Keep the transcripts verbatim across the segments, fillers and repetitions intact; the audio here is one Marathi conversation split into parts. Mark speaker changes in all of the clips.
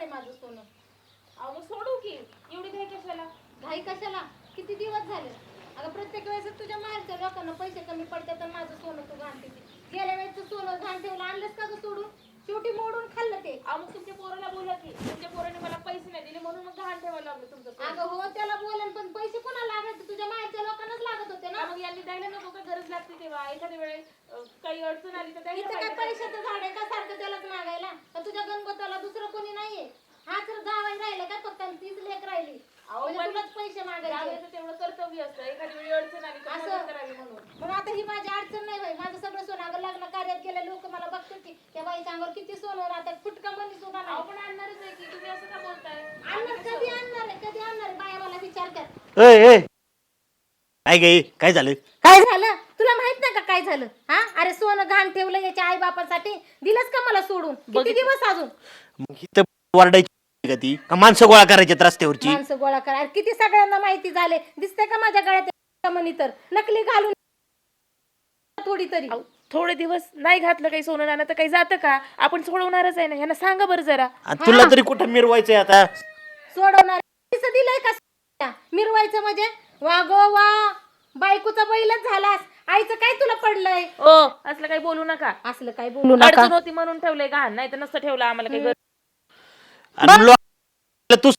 Speaker 1: माझं सोनं.
Speaker 2: अहो मग सोडू की, एवढी घाई कशाला?
Speaker 1: घाई कशाला? किती दिवस झाले. अगं प्रत्येक वेळेस तुझ्या माहेरच्या लोकांना पैसे कमी पडतात तर माझं सोनं तू घाण ठेवते. गेल्या वेळेस सोनं घाण ठेवलं आणलंस का गं सोडून? शेवटी मोडून खाल्लं ते.
Speaker 2: अहो मग तुमच्या पोराला बोला की, तुमच्या पोराने मला पैसे नाही दिले म्हणून मग घाण ठेवायला लागलं तुमचं सोनं.
Speaker 1: अगं हो त्याला बोलेन पण पैसे कोणाला लागायचे? तुझ्या माहेरच्या लोकांनाच लागत होते ना.
Speaker 2: मग यांनी द्यायला नको का? गरज लागते तेव्हा एखाद्या वेळेस अं, काही अडचण आली तर द्यायला
Speaker 1: इथं काय
Speaker 2: पाहिजे.
Speaker 1: पैशाचं झाड आहे का सारखं त्यालाच मागायला? का तुझ्या गणपताला दुसरं कोणी नाहीये? हा तर जावाई राहिला का फक्त आणि तीच लेक राहिली.
Speaker 2: अहो,
Speaker 1: म्हणजे
Speaker 2: पण
Speaker 1: तुलाच पैसे मागायचे.
Speaker 2: जावयाचं तेवढं कर्तव्य असतं, एखाद्या वेळी अडचण आली तर
Speaker 1: असं.
Speaker 2: मदत करावी म्हणून.
Speaker 1: पण आता ही माझी अडचण नाही बाई. माझं सगळं सोनं अगं लग्न कार्यात गेले लोक मला बघतात की त्या बाईच्या अंगावर किती सोनं राहतात. फुटका मनी सुद्धा
Speaker 2: अहो
Speaker 1: नाही.
Speaker 2: पण आणणारच आहे की, तुम्ही असं का बोलताय?
Speaker 1: आणणार कधी आणणार आहे? कधी आणणार आहे? बाया मला विचारतात.
Speaker 3: ए ए काय गे काय झालं?
Speaker 1: काय झालं? तुला माहित नाही का काय झालं? हा अरे सोनं घाण ठेवलं याच्या आई बापासाठी. दिलंस का मला सोडून? किती दिवस अजून?
Speaker 3: मग इथं वरडायची का ती का माणसं गोळा करायच्यात रस्त्यावरची?
Speaker 1: माणसं गोळा करा. अरे किती सगळ्यांना माहिती झाले. दिसते का माझ्या गळ्यात मनी तर नकली घालून थोडी तरी.
Speaker 2: अहो, थोडे दिवस नाही घातलं काही सोनं नाणं तर काही जातं का? आपण सोडवणारच आहे ना. ह्यांना सांगा बरं जरा.
Speaker 3: आणि तुला तरी कुठं मिरवायचंय आता?
Speaker 1: सोडवणार पैसे दिलंय का? मिरवायचं म्हणजे वा गो वा बायकोचा बैलच झालास. आईचं काय तुला पडलंय?
Speaker 2: ओ असलं काही बोलू नका.
Speaker 1: असलं काय बोलू नका.
Speaker 2: अडचण होती म्हणून ठेवलंय घाण, नाही तर नसतं ठेवलं आम्हाला काही गरज.
Speaker 3: आणि लो- तू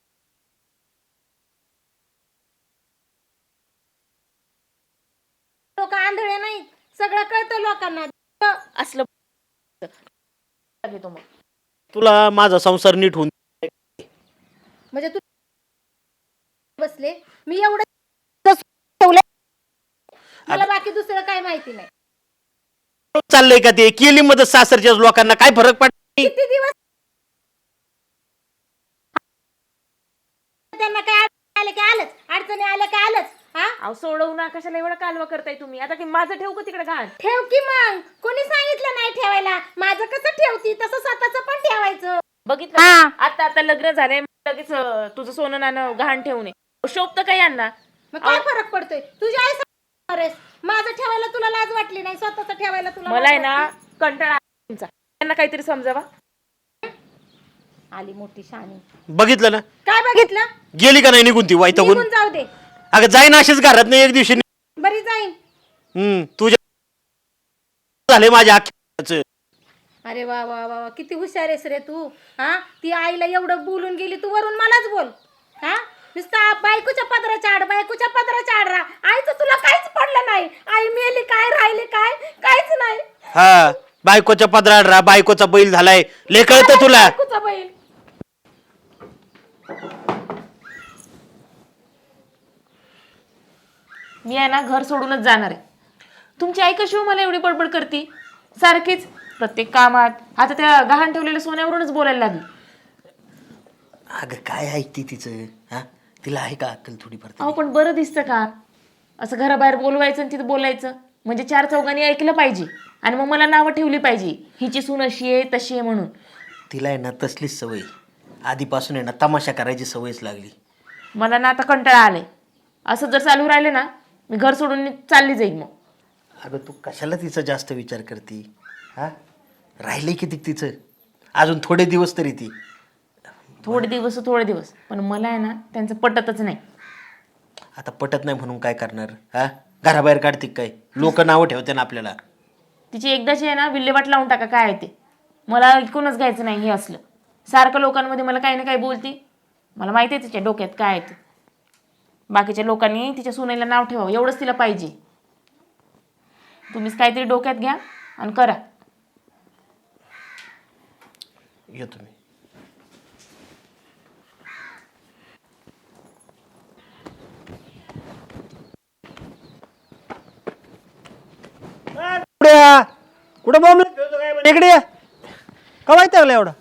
Speaker 1: लोक आंधळे नाहीत. सगळं कळतं लोकांना.
Speaker 2: असलं घेतो मग.
Speaker 3: तुला माझा संसार नीट होऊन
Speaker 1: म्हणजे तू बसले मी एवढं ठेवलंय. मला बाकी दुसरं काय माहिती नाही.
Speaker 3: चाललंय का ते? केली मदत सासरच्या लोकांना, काय फरक पडला?
Speaker 1: किती दिवस त्यांना काय आले की आलंच, अडचणी आल्या की आलंच. हा
Speaker 2: अहो सोडवू ना, कशाला एवढा कालवा करताय तुम्ही? आता की माझं ठेवू का तिकडे घाण?
Speaker 1: ठेव की मग. कोणी सांगितलं नाही ठेवायला? माझं कसं ठेवती तसं स्वतःच पण ठेवायचं.
Speaker 2: बघितलं का? आता आता लग्न झालंय लगेच अं, तुझं सोनं नाणं घाण ठेवू नये. शोभतं काय यांना?
Speaker 1: मग काय फरक पडतोय? तुझी आई सांगणार आहेस. माझं ठेवायला तुला लाज वाटली नाही, स्वतःच ठेवायला तुला
Speaker 2: मला आहे
Speaker 1: लाज
Speaker 2: ना
Speaker 1: वाटली?
Speaker 2: कंटाळा आला तुमचा. यांना काहीतरी समजावा.
Speaker 1: आली मोठी शहाणी.
Speaker 3: बघितलं ना?
Speaker 1: काय बघितलं?
Speaker 3: गेली का नाही निघून ती वाईटगून?
Speaker 1: निघून जाऊ दे.
Speaker 3: अगं जाईन अशीच घरात नाही एक दिवशी.
Speaker 1: बरी जाईन.
Speaker 3: हम्म तुझ्या झाले माझ्या अख्ख्याच.
Speaker 1: अरे वा वा वा वा, किती हुशार आहेस रे तू. हा ती आईला एवढं बोलून गेली, तू वरून मलाच बोल. हा नुसता बायकोच्या पदराच्या आड बायकोच्या पदराच्या आड राहा. आईचं तुला काहीच पडलं नाही. आई मेली काय राहिले काय काहीच नाही.
Speaker 3: हा बायकोच्या पदरात राहा, बायकोचा बैल झालाय. ले कळतं तुला?
Speaker 1: बायकोचा बैल.
Speaker 2: मी आहे ना घर सोडूनच जाणार आहे. तुमची आई कशी हो मला एवढी बडबड करते सारखीच प्रत्येक कामात? आता त्या गहाण ठेवलेल्या सोन्यावरूनच बोलायला लागली.
Speaker 3: अगं काय ऐकते तिचं? हा तिला आहे का अक्कल थोडीफार तरी?
Speaker 2: अहो पण बरं दिसतं का असं घराबाहेर बोलवायचं आणि तिथं बोलायचं? म्हणजे चार चौघांनी ऐकलं पाहिजे आणि मग मला नावं ठेवली पाहिजे, हिची सून अशी आहे तशी आहे म्हणून.
Speaker 3: तिला आहे ना तसलीच सवय आधीपासून आहे ना, तमाशा करायची सवयच लागली.
Speaker 2: मला ना आता कंटाळा आलाय. असं जर चालू राहिलं ना मी घर सोडून चालली जाईल मग.
Speaker 3: अगं तू कशाला तिचा जास्त विचार करते? हा राहिले किती तिचं? अजून थोडे दिवस तरी ती.
Speaker 2: थोडे दिवस थोडे दिवस पण मला आहे ना त्यांचं पटतच नाही.
Speaker 3: आता पटत नाही म्हणून काय करणार? हा घराबाहेर काढते काय? लोक नावं ठेवते ना आपल्याला.
Speaker 2: तिची एकदाची आहे ना विल्हेवाट लावून टाका काय आहे ते. मला ऐकूनच घ्यायचं नाही हे असलं. सारखं लोकांमध्ये मला काही ना काही बोलती. मला माहिती आहे तिच्या डोक्यात काय आहे ते. बाकीच्या लोकांनी तिच्या सुनेला नाव ठेवावं एवढंच तिला पाहिजे. तुम्हीच काहीतरी डोक्यात घ्या आणि करा.
Speaker 3: येतो मी.
Speaker 4: कुठं बॉम्ब इकडे या. का माहिती लागला एवढा?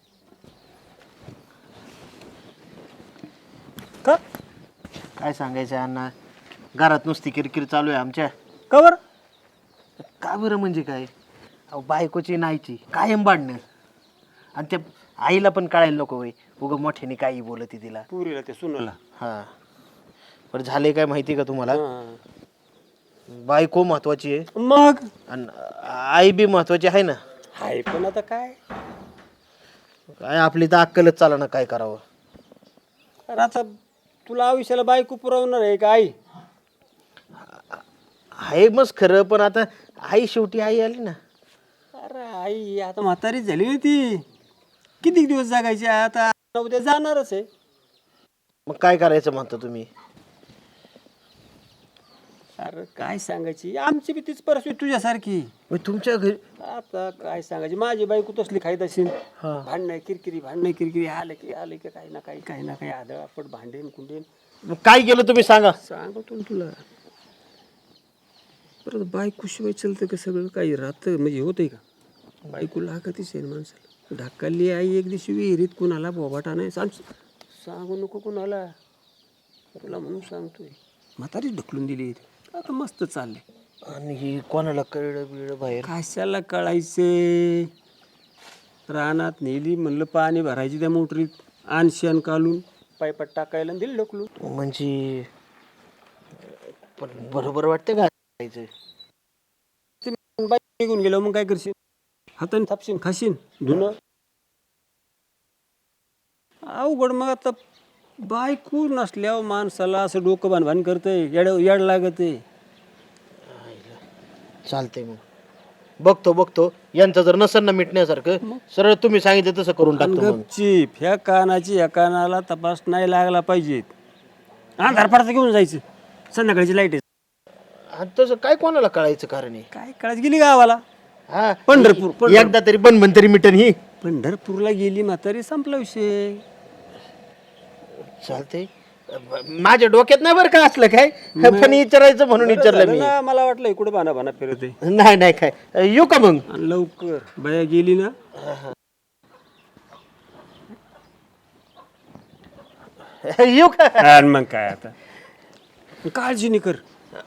Speaker 4: का
Speaker 3: काय सांगायचं अण्णा, घरात नुसती किरकिर चालू आहे आमच्या.
Speaker 4: का बरं?
Speaker 3: का बरं म्हणजे काय? अहो बायकोची नाहीची कायम भांडणं. आणि त्या आईला पण कळायला नको होय, उगं मोठ्याने काही बोलती तिला.
Speaker 4: पुरीला ते सुनला.
Speaker 3: हा बरं झाले काय माहिती का तुम्हाला? बायको महत्वाची आहे
Speaker 4: मग
Speaker 3: आणि आई बी महत्वाची आहे ना.
Speaker 4: हाय पण आता काय
Speaker 3: काय आपली तर अक्कलच चाला ना काय करावं.
Speaker 4: अरे आता तुला आयुष्याला बायको पुरवणार आहे का आई?
Speaker 3: आहे मस्त खरं, पण आता आई शेवटी आई आली ना.
Speaker 4: अरे आई आता म्हातारीच झाली ना ती. किती दिवस जगायची आता? उद्या जाणारच आहे.
Speaker 3: मग काय करायचं म्हणता तुम्ही?
Speaker 4: अरे काय सांगायची, आमची बी तीच परिस्थिती तुझ्यासारखी.
Speaker 3: मग तुमच्या घरी
Speaker 4: आता काय सांगायची, माझी बायको तसली खायत असेल. भांडणं किरकिरी भांडणं किरकिरी आलं की आलं की काही ना काही काही ना काही आदळ आपट भांडेन कुंडेन.
Speaker 3: मग काय केलं तुम्ही सांगा.
Speaker 4: सांगतो ना तुला. परत बायको शिवाय चलतं का सगळं काही राहतं म्हणजे होतंय का? बायको लागतच आहे ना माणसाला. ढाकली आई एक दिवशी विहिरीत कुणाला बोबाटा नाही सांग, सांगू नको कुणाला, तुला म्हणून सांगतोय. म्हातारीच ढकलून दिली. आता मस्त चाललंय.
Speaker 3: आणि ही कोणाला कळलं बिळलं बाहेर?
Speaker 4: कशाला कळायचे? रानात नेली म्हणलं पाणी भरायची त्या मोटरीत, आणशन काढून पायपात टाकायला दिली ढकलून.
Speaker 3: म्हणजे पण बरोबर वाटतं का जायचं?
Speaker 4: ते बाई निघून गेलो मग काय करशील? हाताने थापशील खाशील धुणं अवघड. मग आता बायको नसल्यावर माणसाला असं डोकं बांधभान करतंय, येड येड लागतंय.
Speaker 3: चालतंय मग बघतो बघतो यांचं जर नसेल ना मिटण्यासारखं, सरळ तुम्ही सांगितलं तसं करून टाकतो मग.
Speaker 4: गपचीप ह्या कानाची ह्या कानाला तपास नाही लागला पाहिजे. अंधार पडता घेऊन जायचं, संध्याकाळची लाईट आहे.
Speaker 3: आणि तसं काय कोणाला कळायचं कारण आहे?
Speaker 4: काय कळायची गेली गावाला.
Speaker 3: हा
Speaker 4: पंढरपूर पंढरपूर.
Speaker 3: एकदा तरी बन बन तरी मिटन ही.
Speaker 4: पंढरपूरला गेली म्हातारी, संपला विषय.
Speaker 3: चालतंय. माझ्या डोक्यात नाही बरं का असलं काय, पण विचारायचं म्हणून विचारलं मी.
Speaker 4: ना, मला वाटलं कुठे बाना बाना फिरत आहे.
Speaker 3: नाही नाही काय, येऊ का मग?
Speaker 4: आणि लवकर बाया गेली ना.
Speaker 3: येऊ का?
Speaker 4: आणि मग काय आता काळजी नाही कर.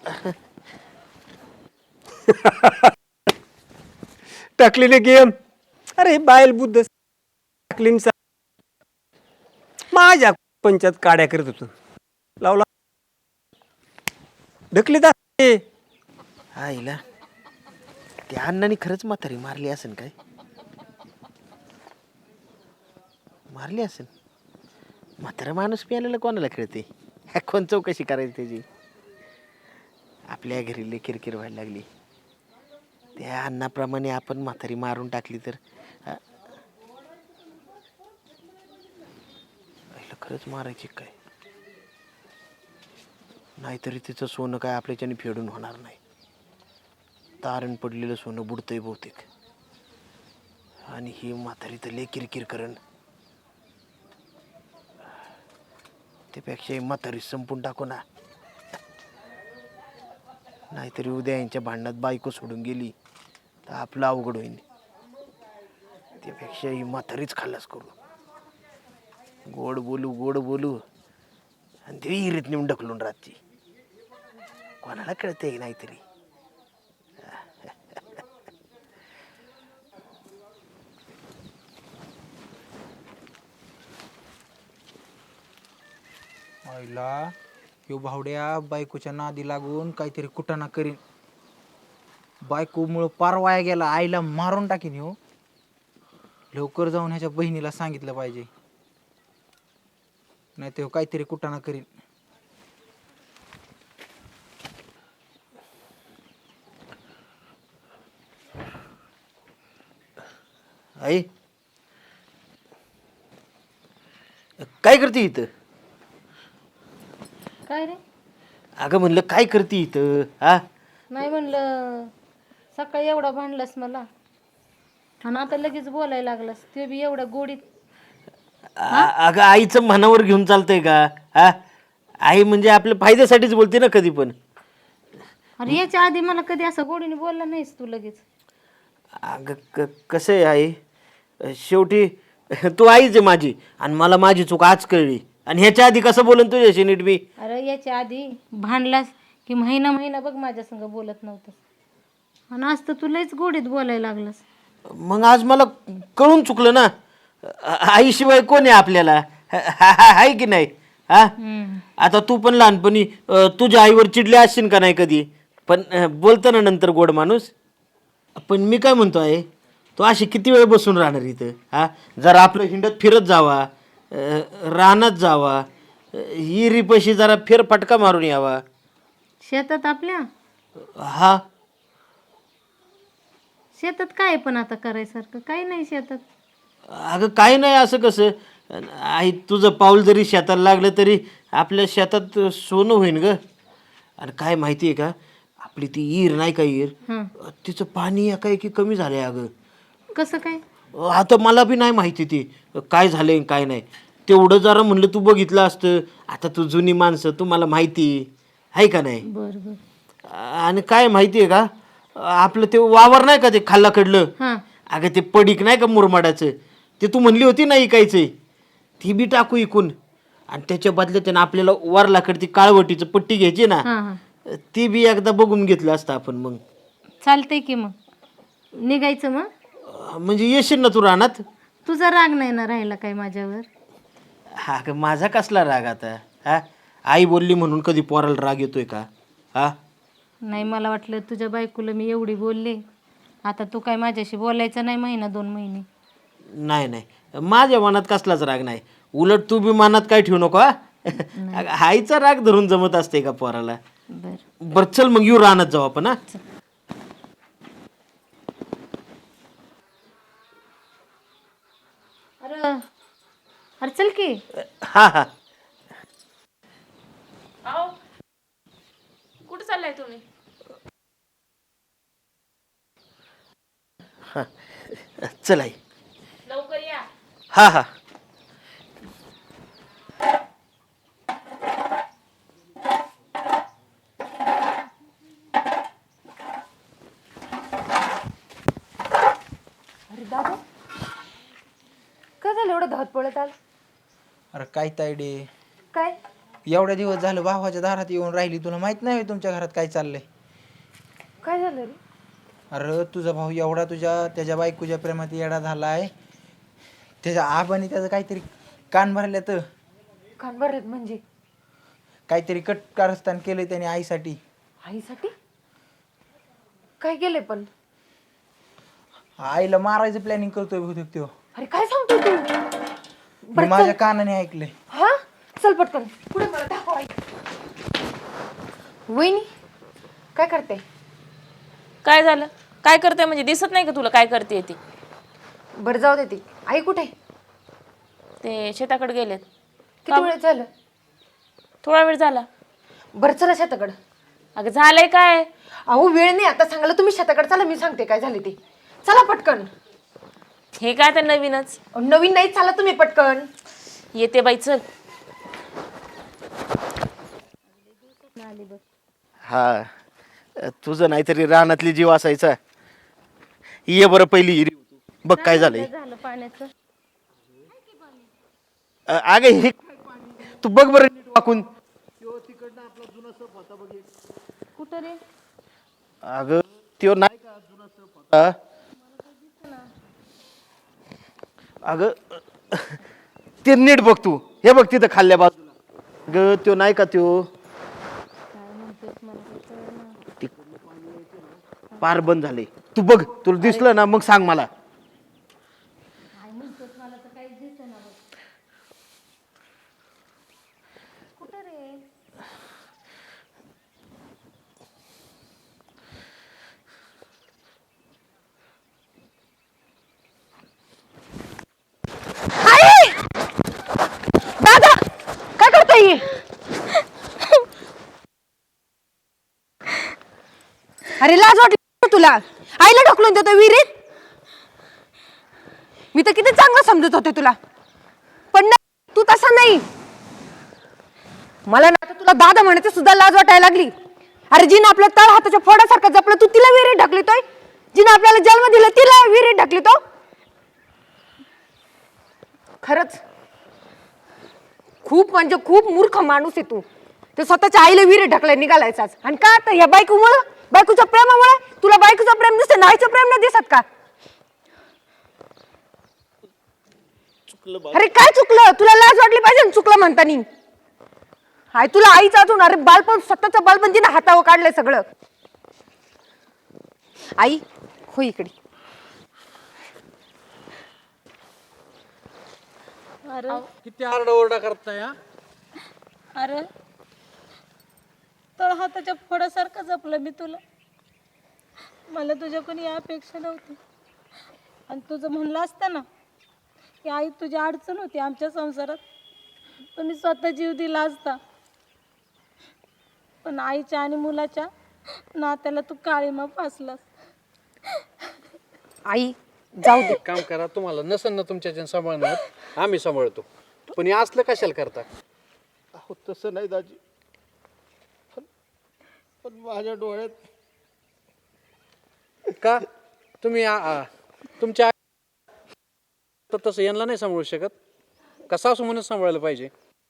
Speaker 4: टाकलेले गेम. अरे बायल बुद्ध टाकलीन सा- माझ्या पंचायत काड्या करत होतो, लावला ढकली दाखले.
Speaker 3: आईला त्या अण्णांनी खरंच म्हातारी मारली असेल काय? मारली असेल. म्हातारा माणूस पियाला कोणाला कळते? कोण चौकशी करायची त्याची? आपल्या घरी लई किरकिर व्हायला लागली. त्या अण्णाप्रमाणे आपण म्हातारी मारून टाकली तर हा? आईला खरंच मारायची काय? नाहीतरी तिचं सोनं काय आपल्याच्याने फेडून होणार नाही. तारण पडलेलं सोनं बुडतंय बहुतेक. आणि ही म्हातारी तर लय किरकिर करण. त्यापेक्षा ही म्हातारी संपून टाकू ना. नाहीतरी उद्या यांच्या भांडणात बायको सोडून गेली तर आपलं अवघड होईल. त्यापेक्षा ही म्हातारीच खाल्लास करू. गोड बोलू गोड बोलू आणि ती विहिरीत नेऊन ढकलून राहते. कोणाला कळते नाहीतरी.
Speaker 5: आईला ह्यो भावड्या बायकोच्या नादी लागून काहीतरी कुटाणा करीन. बायकोमुळं पार वाया गेला, आईला मारून टाकीन ह्यो. लवकर जाऊन ह्याच्या बहिणीला सांगितलं पाहिजे, नाही तर काहीतरी कुटाणा करीन.
Speaker 3: आई काय करते इथं?
Speaker 1: काय रे?
Speaker 3: अगं म्हणलं काय करते इथं? हा
Speaker 1: नाही म्हणलं सकाळी एवढा भांडलास मला आणि आता लगेच बोलायला लागलास, ते बी एवढ्या गोडीत.
Speaker 3: आ- अगं आईचं मनावर घेऊन चालतंय का? हा आई म्हणजे आपल्या फायद्यासाठीच बोलते ना कधी पण.
Speaker 1: अरे याच्या आधी मला कधी असं गोडीने बोलला नाहीस तू लगेच.
Speaker 3: अगं क कसं आहे आई, शेवटी तू आईच आहे माझी आणि मला माझी चूक आज कळली. आणि ह्याच्या आधी कसं बोलन तुझ्याशी नीट मी?
Speaker 1: अरे याच्या आधी भांडलास की महिना महिना बघ माझ्या संग बोलत नव्हतंस आणि आज तर तू लयच गोडीत बोलायला लागलास.
Speaker 3: मग आज मला कळून चुकलं ना. आईशिवाय कोण आहे आपल्याला? आहे की नाही? हा आता तू पण लहानपणी अं, तुझ्या आईवर चिडले असशील का नाही कधी? पण अं, बोलतं ना नंतर गोड माणूस. पण मी काय म्हणतो आहे, तो अशी किती वेळ बसून राहणार इथं? हा, जरा आपलं हिंडत फिरत जावा, अं, रानात जावा, हिरीपाशी जरा फेरफटका मारून यावा.
Speaker 1: शेतात आपल्या
Speaker 3: हा,
Speaker 1: शेतात काय पण आता करायसारखं काही नाही शेतात.
Speaker 3: अगं काय नाही असं कसं? अन आई तुझं पाऊल जरी शेताला लागलं तरी आपल्या शेतात सोनं होईन ग. आणि काय माहिती आहे का, आपली ती ईर नाही का ईर,
Speaker 1: हं.
Speaker 3: तिचं पाणी एकाएकी कमी झालंय अगं.
Speaker 1: कसं काय?
Speaker 3: आता मला बी नाही माहिती ती काय झालंय आणि काय नाही. तेवढं जरा म्हणलं तू बघितलं असतं. आता तू जुनी माणसं, तुम्हाला माहिती आहे का नाही?
Speaker 1: बर बर.
Speaker 3: आणि काय माहिती आहे का, आपलं ते वावर नाही का ते खाल्लाकडलं,
Speaker 1: हां.
Speaker 3: अगं ते पडीक नाही का मुरमाडाचं, ते तू म्हणली होती ना इकायचंय, ती बी टाकू इकून. आणि त्याच्या बदल्यात त्यानं आपल्याला वरलाकडे ती काळवटीचं पट्टी घ्यायची ना,
Speaker 1: हां हां.
Speaker 3: ती बी एकदा बघून घेतलं असतं आपण. मग
Speaker 1: चालतंय की मग निघायचं मग.
Speaker 3: अं, म्हणजे येशील ना तू रानात?
Speaker 1: तुझा राग नाही ना राहिला काय माझ्यावर?
Speaker 3: हा का, माझा कसला राग आता? हा, आई बोलली म्हणून कधी पोराला राग येतोय का? हा,
Speaker 1: नाही, मला वाटलं तुझ्या बायकोला मी एवढी बोलले, आता तू काय माझ्याशी बोलायचं नाही महिना दोन महिने.
Speaker 3: नाही नाही, माझ्या मनात कसलाच राग नाही. उलट तू बी मनात काय ठेवू नको. हा, अगं, आईचा राग धरून जमत असते का पोराला?
Speaker 1: बर.
Speaker 3: बर चल मग येऊ रानात जाऊ आपण. हा,
Speaker 1: अरे अरे चल की.
Speaker 3: हा हा.
Speaker 2: अहो कुठे चाललाय तुम्ही?
Speaker 3: चल आई.
Speaker 2: लवकर या.
Speaker 3: हा हा.
Speaker 1: काय झालं एवढं धावत पळत आल?
Speaker 5: अरे काय तायडे,
Speaker 1: काय
Speaker 5: एवढ्या दिवस झालं भावाच्या दारात येऊन राहिली, तुला माहित नाही होय तुमच्या घरात काय चाललंय?
Speaker 1: काय झालं रे?
Speaker 5: अरे तुझा भाऊ एवढा तुझ्या त्याच्या बायकोच्या प्रेमात येडा झालाय, त्याच्या आबाने त्याचं काहीतरी कान भरल्या, तर
Speaker 1: कान भरत म्हणजे
Speaker 5: काहीतरी कट कारस्थान केलंय त्याने आईसाठी.
Speaker 1: आईसाठी काय केलंय? पण
Speaker 5: आईला मारायचं प्लॅनिंग करतोय बहुतेक त्यो.
Speaker 1: अरे काय सांगतो तू?
Speaker 5: मी माझ्या कानाने ऐकलंय.
Speaker 1: हा, चल पटकन पुढे मला दाखव. आई वहिनी काय करते?
Speaker 2: काय झालं? काय करते म्हणजे दिसत नाही का तुला काय करते ती?
Speaker 1: बरं जाऊ दे. ती आई कुठे?
Speaker 2: ते शेताकडे गेलेत.
Speaker 1: किती वेळ झालं?
Speaker 2: थोडा वेळ झाला.
Speaker 1: बरं चला शेताकडं.
Speaker 2: अगं झालंय काय?
Speaker 1: अहो वेळ नाही आता सांगायला, तुम्ही शेताकडे चला, मी सांगते काय झाले ते. चला पटकन.
Speaker 2: हे काय तर नवीनच.
Speaker 1: अहो, नवीन नाही, चला तुम्ही पटकन.
Speaker 2: येते बाई, चल.
Speaker 3: हा, तुझं नाहीतरी रानातली जीव असायचा. ये बरं पहिली हिरी बघ काय झालंय.
Speaker 1: झालं पाण्याचं.
Speaker 3: अ, अगं हे तू बघ बरं नीट वाकून.
Speaker 1: कुठं रे?
Speaker 3: अगं त्यो नाही का जुना सप होता. अगं ते नीट बघ तू. हे बघ तिथं खाल्ल्या बाजूला. अगं त्यो नाही का त्यो पार बंद झाले. तू बघ, तुला दिसलं ना मग सांग मला.
Speaker 1: दादा काय करताय? अरे लाज वाटली तुला? आईला ढकलून देतो विहिरीत? मी तर किती चांगलं समजत होते तुला, पण नाही, तू तसा नाही. मला ना तुला दादा म्हणायची सुद्धा लाज वाटायला लागली. अरे जिने आपल्या तळ हाताच्या फोडासारखं जपलं, तू तिला विहिरीत ढकलतोय. जिने आपल्याला जन्म दिला तिला विहिरीत ढकलतो. खरंच खूप म्हणजे खूप मूर्ख माणूस आहे तू. ते स्वतःच्या आईला विहिरीत ढकलाय निघालायचाच. आणि का आता या बायकोमुळे, बायकोच्या प्रेमामुळे? तुला बायकोचं प्रेम दिसतं, नाहीचं प्रेम नाही दिसत का? अरे काय चुकलं? तुला लाज वाटली पाहिजे चुकलं म्हणतानी. हाय तुला आईचं अजून, अरे बालपण, स्वतःचं बालपण तिने हातावर काढलंय सगळं. आई हो इकडे. अरे
Speaker 6: किती आरडाओरडा करताय हा?
Speaker 1: अरे तळ हाताच्या फोडासारखं जपलं मी तुला. मला तुझ्याकडून या अपेक्षा नव्हती. आणि तुझं म्हणलं असतं ना की आई तुझी अडचण होती आमच्या संसारात, तर मी स्वतः जीव दिला असता. पण आईच्या आणि मुलाच्या नात्याला तू काळीमा फासलास.
Speaker 7: आई जाऊ दे.
Speaker 6: एक काम करा, तुम्हाला नसन ना तुमच्या सांभाळणार, आम्ही सांभाळतो. पण हे असलं कशाला करता?
Speaker 3: अहो तसं नाही दाजी, पण पण माझ्या डोळ्यात
Speaker 6: का तुम्ही आ- आ- तुमच्या आई- तर तसं यांना नाही सांभाळू शकत का? सासू म्हणून सांभाळायला पाहिजे.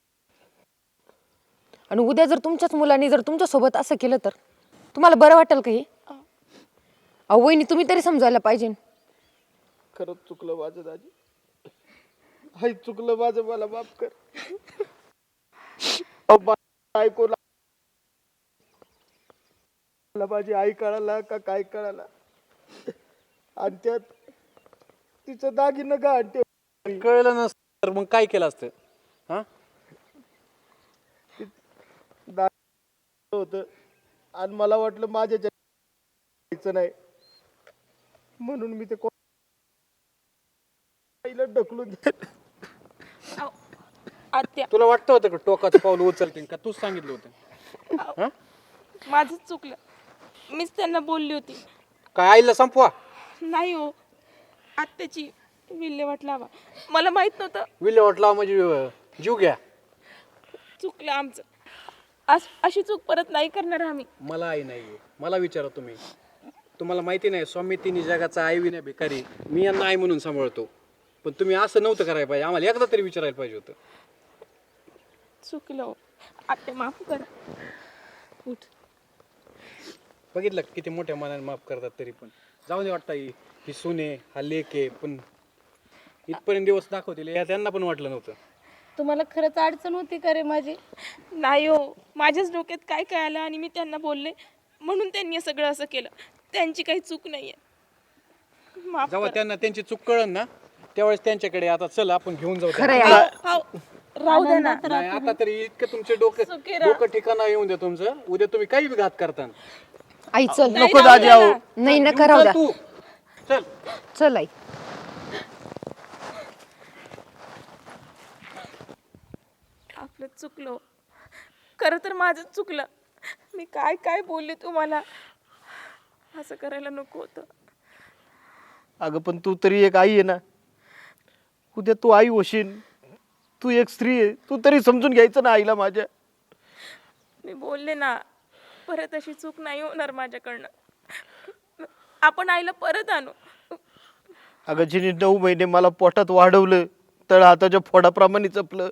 Speaker 7: आणि उद्या जर तुमच्याच मुलांनी जर तुमच्या सोबत असं केलं तर तुम्हाला बरं वाटेल का हे? अहो वहिनी तुम्ही तरी समजायला पाहिजे.
Speaker 3: खरंच चुकलं माझं दाजी. आई चुकलं माझं, मला माफ कर. अहो, मा- ऐकू ला- मला माझी आई कळाला का काय कळाला, आणि त्यात तिचं दागिनं का आणते
Speaker 6: कळलं नसतं तर मग काय केलं असतं? हा
Speaker 3: होत, आणि मला वाटलं माझ्या जायचं नाही म्हणून मी ते को- आईला ढकलून दिलं.
Speaker 8: आत्या
Speaker 6: तुला वाटतं होतं का टोकाचं पाऊल उचलतील का? तूच सांगितलं होतं. हा
Speaker 8: माझंच चुकलं. मीच त्यांना बोलली होती.
Speaker 6: काय आईला संपवा?
Speaker 8: नाही हो, आत्याची विल्हेवाट लावा. मला माहित नव्हतं.
Speaker 6: विल्हेवाट लावा म्हणजे अं, जीव घ्या.
Speaker 8: चुकलं आमचं. अस- अशी चूक परत नाही करणार आम्ही.
Speaker 6: मला आई नाही, मला विचारा तुम्ही. तुम्हाला माहिती नाही, स्वामी तिन्ही जगाचा आई विना भिकारी. मी यांना आई म्हणून सांभाळतो, पण तुम्ही असं नव्हतं करायला पाहिजे. आम्हाला एकदा तरी विचारायला पाहिजे होतं.
Speaker 8: चुकलं हो. आत्या माफ करा. उठ.
Speaker 6: बघितलं का किती मोठ्या मनाने माफ करतात, तरी पण जाऊ दे. वाटतं ही ही सुने हा लेक आहे, पण इथपर्यंत दिवस दाखवतील या त्यांना पण वाटलं नव्हतं.
Speaker 1: तुम्हाला खरंच अडचण होती का रे माझी?
Speaker 8: नाही हो, माझ्याच डोक्यात काय काय आलं आणि मी त्यांना बोलले म्हणून त्यांनी सगळं असं केलं. त्यांची काही चूक नाहीये. माफ
Speaker 6: जेव्हा
Speaker 8: करा.
Speaker 6: त्यांना त्यांची चूक कळन ना, त्यावेळेस त्यांच्याकडे आता चल आपण घेऊन जाऊ
Speaker 7: खरं
Speaker 6: त्यांना.
Speaker 7: आहे.
Speaker 8: हाव, राहू दे ना.
Speaker 6: नाही आता तरी इतकं तुमचे डोकं
Speaker 8: सुखी राहा.
Speaker 6: डोकं ठिकाणा येऊन द्या तुमचं. उद्या तुम्ही काही बी घात करता.
Speaker 7: आई चल.
Speaker 3: नको दाजी. अहो
Speaker 7: नाही नका राहू द्या.
Speaker 6: तू चल.
Speaker 7: चल आई.
Speaker 8: आपलं चुकलं. खरं तर माझंच चुकलं. मी काय काय बोलले तुम्हाला. असं करायला नको होतं.
Speaker 3: अगं पण तू तरी एक आई आहे ना. उद्या तू आई होशील, तू एक स्त्री आहे, तू तरी समजून घ्यायचं ना आईला माझ्या.
Speaker 8: मी बोलले ना, परत अशी चूक नाही होणार माझ्याकडनं. आपण आईला परत आणू.
Speaker 3: अगं जिने नऊ महिने मला पोटात वाढवलं, तळ हाताच्या फोडाप्रमाणे जपलं,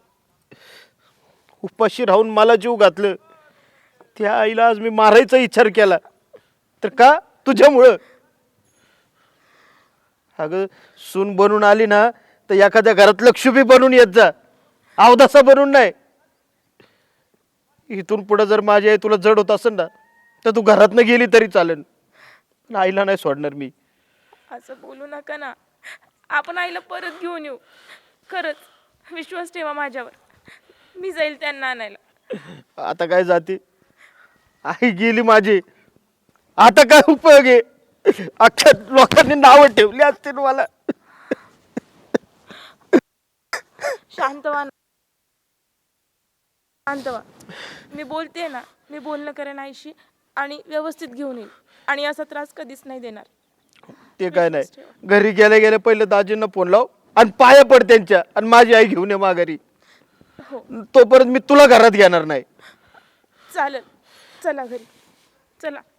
Speaker 3: उपाशी राहून मला जीव घातलं, त्या आईला आज मी मारायचा विचार केला तर का? तुझ्यामुळं. अगं सून बनून आली ना तर एखाद्या घरात लक्ष्मी बनून येत जा, अवदासा बनून नाही. इथून पुढे जर माझी आई तुला जड होत असेल ना तर तू घरातनं गेली तरी चालेल, पण आईला नाही सोडणार मी.
Speaker 8: असं बोलू नका ना. आपण आईला परत घेऊन येऊ. खरंच विश्वास ठेवा माझ्यावर. मी जाईल त्यांना आणायला.
Speaker 3: आता काय जाते, आई गेली माझी, आता काय उपयोग आहे? अख्ख्या लोकांनी नावं ठेवली असतील मला.
Speaker 8: शांत व्हा ना. शांत व्हा. मी बोलते ना, मी बोलणं करेन आईशी आणि व्यवस्थित घेऊन येईल आणि असा त्रास कधीच नाही देणार.
Speaker 3: ते काय नाही, घरी गेल्या गेल्या पहिले दाजींना फोन लाव आणि पाया पड त्यांच्या, आणि माझी आई घेऊन ये माघारी.
Speaker 8: हो
Speaker 3: तोपर्यंत मी तुला घरात घेणार नाही.
Speaker 8: चालेल. चला घरी. चला.